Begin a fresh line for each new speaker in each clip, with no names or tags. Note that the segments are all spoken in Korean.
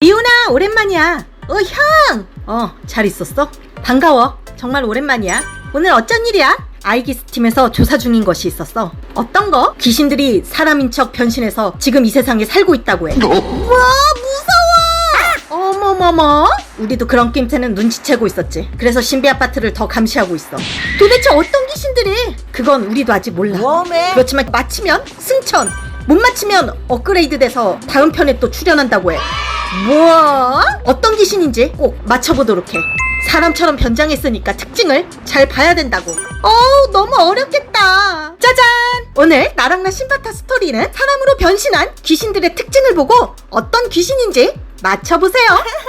리오나, 오랜만이야. 형! 잘 있었어? 반가워. 정말 오랜만이야. 오늘 어쩐 일이야? 아이기스팀에서 조사 중인 것이 있었어. 어떤 거? 귀신들이 사람인 척 변신해서 지금 이 세상에 살고 있다고 해. 와, 무서워! 어머머머. 우리도 그런 낌새는 눈치채고 있었지. 그래서 신비 아파트를 더 감시하고 있어. 도대체 어떤 귀신들이? 그건 우리도 아직 몰라. 그렇지만 맞히면 승천, 못 맞히면 업그레이드 돼서 다음 편에 또 출연한다고 해. 뭐? 어떤 귀신인지 꼭 맞춰보도록 해. 사람처럼 변장했으니까 특징을 잘 봐야 된다고. 너무 어렵겠다. 짜잔! 오늘 나랑나 신바타 스토리는 사람으로 변신한 귀신들의 특징을 보고 어떤 귀신인지 맞춰보세요.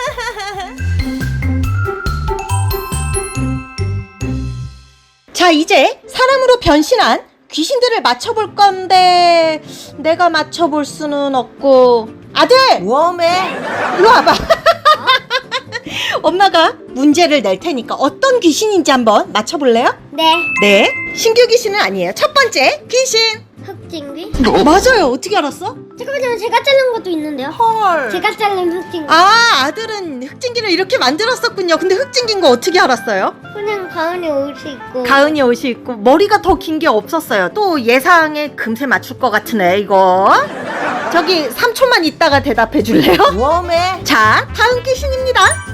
자, 이제 사람으로 변신한 귀신들을 맞춰볼 건데 내가 맞춰볼 수는 없고. 아들! 웜에 일로 와봐. 엄마가 문제를 낼 테니까 어떤 귀신인지 한번 맞춰볼래요?
네.
신규 귀신은 아니에요. 첫 번째 귀신.
흑진귀?
맞아요. 어떻게 알았어?
잠깐만요. 제가 자른 것도 있는데요.
헐.
제가 자른 흑진귀.
아들은 흑진기를 이렇게 만들었었군요. 근데 흑진기인 거 어떻게 알았어요?
그냥 가은이 옷이 있고.
가은이 옷이 있고 머리가 더 긴 게 없었어요. 또 예상에 금세 맞출 것 같으네 이거. 저기 3초만 있다가 대답해 줄래요? 자, 다음 귀신입니다.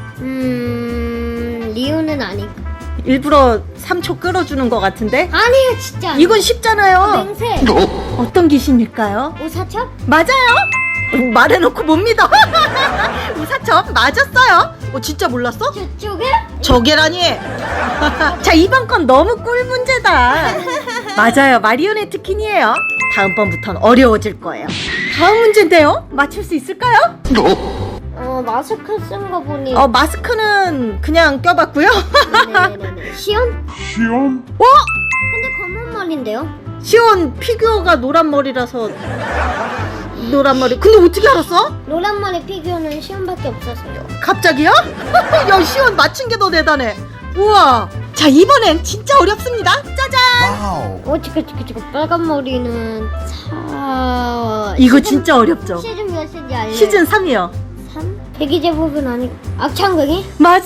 리오는 아니고.
일부러 3초 끌어주는 것 같은데?
아니에요, 진짜.
이건 쉽잖아요.
맹세.
어떤 귀신일까요?
오사첩?
맞아요. 말해놓고 못 믿어. 우사첩 맞았어요. 진짜 몰랐어?
저쪽에?
저게라니. 자, 이번 건 너무 꿀 문제다. 맞아요. 마리오네트 퀸이에요. 다음번부턴 어려워질 거예요. 다음 문제인데요. 맞출 수 있을까요?
마스크 쓴 거 보니.
마스크는 그냥 껴봤고요.
네네네. 시온? 근데 검은 머리인데요?
시온 피규어가 노란 머리라서 노란 머리. 근데 어떻게 알았어?
노란 머리 피규어는 시온밖에 없어서요.
갑자기요? 야, 시온 맞춘 게 더 대단해. 우와. 자, 이번엔 진짜 어렵습니다. 짜잔.
지금 빨간 머리는
이거 진짜 어렵죠?
시즌 몇 시인지 알려요?
시즌 3이요.
3? 대기 제법은 아니고 악창극이?
맞아요.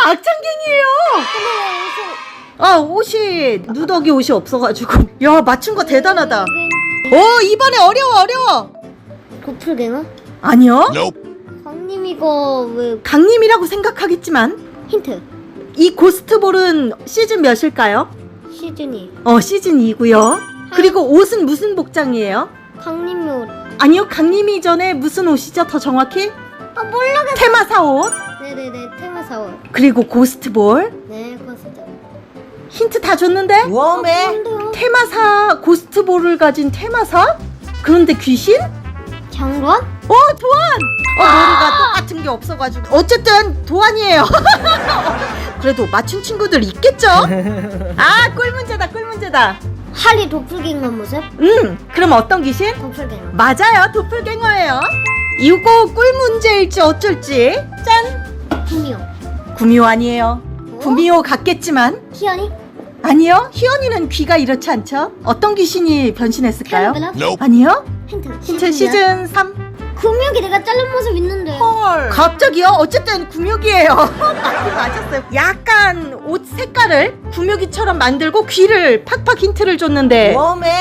악창갱이에요. 옷이 누더기 옷이 없어가지고. 야, 맞춘 거 대단하다. 이번에 어려워.
도플갱어?
아니요.
강님 이거 왜
강림이라고 생각하겠지만
힌트.
이 고스트볼은 시즌 몇일까요?
시즌이
시즌 2고요. 그리고 옷은 무슨 복장이에요?
강님이 옷.
아니요, 강림이 전에 무슨 옷이죠? 더 정확히?
모르겠어.
테마사 옷.
네네네, 테마사 옷.
그리고 고스트볼.
네, 그거 진짜.
힌트 다 줬는데?
뭔데요?
테마사, 고스트볼을 가진 테마사? 그런데 귀신?
장관?
도안! 머리가 똑같은 게 없어가지고. 어쨌든 도안이에요. 그래도 맞춘 친구들 있겠죠? 꿀 문제다.
하리 도플갱어 모습?
그럼 어떤 귀신?
도플갱어.
맞아요, 도플갱어예요. 이거 꿀 문제일지 어쩔지. 짠! 구미호 아니에요. 구미호 같겠지만
희연이?
아니요. 희연이는 귀가 이렇지 않죠? 어떤 귀신이 변신했을까요?
캐러멜라?
아니요.
힌트.
시즌 3.
구미호기 내가 자른 모습 있는데.
헐. 갑자기요? 어쨌든 구묘기예요. 맞았어요. 약간 옷 색깔을 구묘기처럼 만들고 귀를 팍팍 힌트를 줬는데.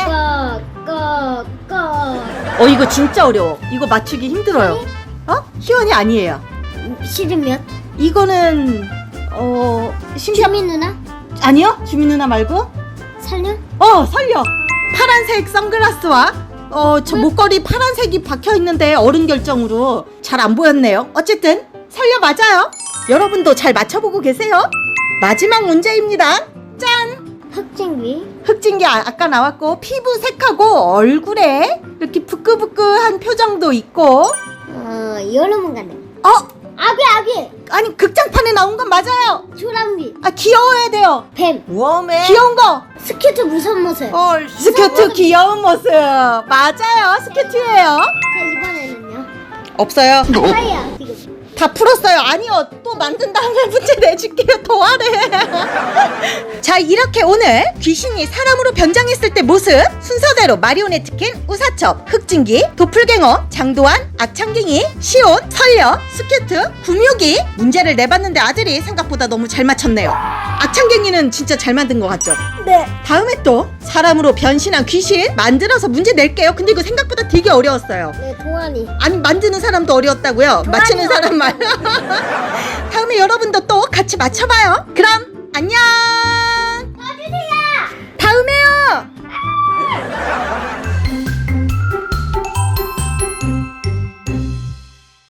이거 진짜 어려워. 이거 맞추기 힘들어요. 희연이 아니에요.
시즌 몇?
이거는
주민 누나?
아니요. 주민 누나 말고.
살려?
설려. 파란색 선글라스와 저 목걸이 파란색이 박혀 있는데 어른 결정으로 잘 안 보였네요. 어쨌든 설려 맞아요. 여러분도 잘 맞춰보고 계세요. 마지막 문제입니다. 짠! 흑진기 아까 나왔고, 피부색하고 얼굴에 이렇게 부끄부끄한 표정도 있고.
여름은 간대. 아귀!
아니, 극장판에 나온 건 맞아요.
조랑귀.
귀여워야 돼요.
뱀.
귀여운 거.
스큐트 무서운 모습.
스케트 귀여운 모습. 맞아요. 스케트예요.
자, 이번에는요.
없어요.
파이야. 지금.
다 풀었어요. 아니요, 또 만든 다음에 문제 내줄게요. 더 하래. 자, 이렇게 오늘 귀신이 사람으로 변장했을 때 모습 순서대로 마리오네트킨, 우사첩, 흑진기, 도플갱어, 장도환, 악창갱이, 시온, 설려, 스케트, 구묘기 문제를 내봤는데 아들이 생각보다 너무 잘 맞췄네요. 악창갱이는 진짜 잘 만든 것 같죠?
네.
다음에 또 사람으로 변신한 귀신 만들어서 문제 낼게요. 근데 이거 생각보다 되게 어려웠어요.
네, 동안이.
아니, 만드는 사람도 어려웠다고요? 맞히는 사람 말. 다음에 여러분도 또 같이 맞춰봐요. 그럼 안녕.